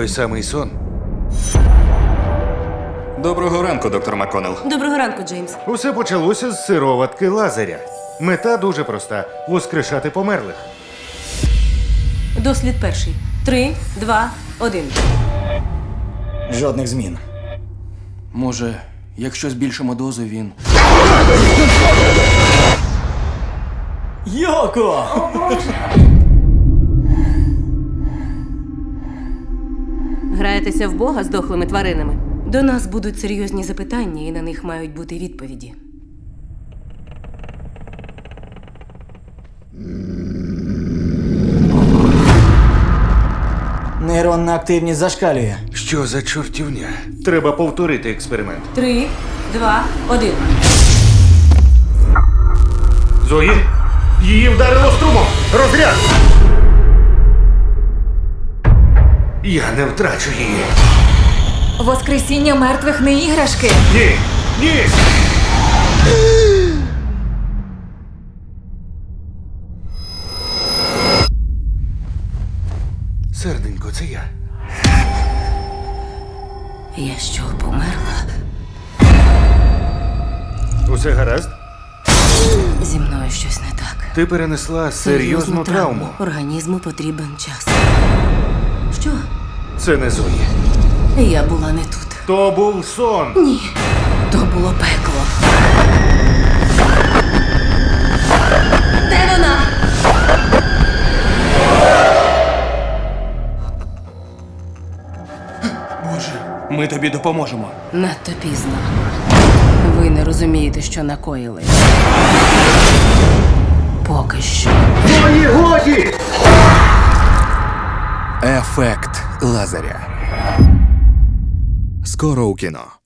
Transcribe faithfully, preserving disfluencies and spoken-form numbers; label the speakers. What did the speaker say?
Speaker 1: той самий сон.
Speaker 2: Доброго ранку, доктор МакКоннелл.
Speaker 3: Доброго ранку, Джеймс.
Speaker 1: Усе почалося з сироватки Лазаря. Мета дуже проста – воскрешати померлих.
Speaker 3: Дослід перший. Три, два, один.
Speaker 4: Жодних змін.
Speaker 5: Може, якщо збільшимо дозу, він...
Speaker 4: Йоко!
Speaker 3: Граєтеся в Бога з дохлими тваринами? До нас будуть серйозні запитання, і на них мають бути відповіді.
Speaker 4: Нейронна активність зашкалює.
Speaker 1: Що за чортівня? Треба повторити експеримент.
Speaker 3: Три, два, один.
Speaker 1: Зої? Її вдарило струмом! Розряд! Я не втрачу її.
Speaker 6: Воскресіння мертвих не іграшки.
Speaker 1: Ні! Ні! Серденько, це я.
Speaker 3: Я що, померла?
Speaker 1: Усе гаразд?
Speaker 3: Зі мною щось не так.
Speaker 1: Ти перенесла серйозну травму.
Speaker 3: Організму потрібен час. Що?
Speaker 1: Це не Зої.
Speaker 3: Я була не тут.
Speaker 1: То був сон.
Speaker 3: Ні. То було пекло. Де вона?
Speaker 5: Боже, ми тобі допоможемо.
Speaker 3: Надто пізно. Ви не розумієте, що накоїли. Поки що.
Speaker 1: Зої, годі!
Speaker 7: Ефект Лазаря. Скоро у кіно.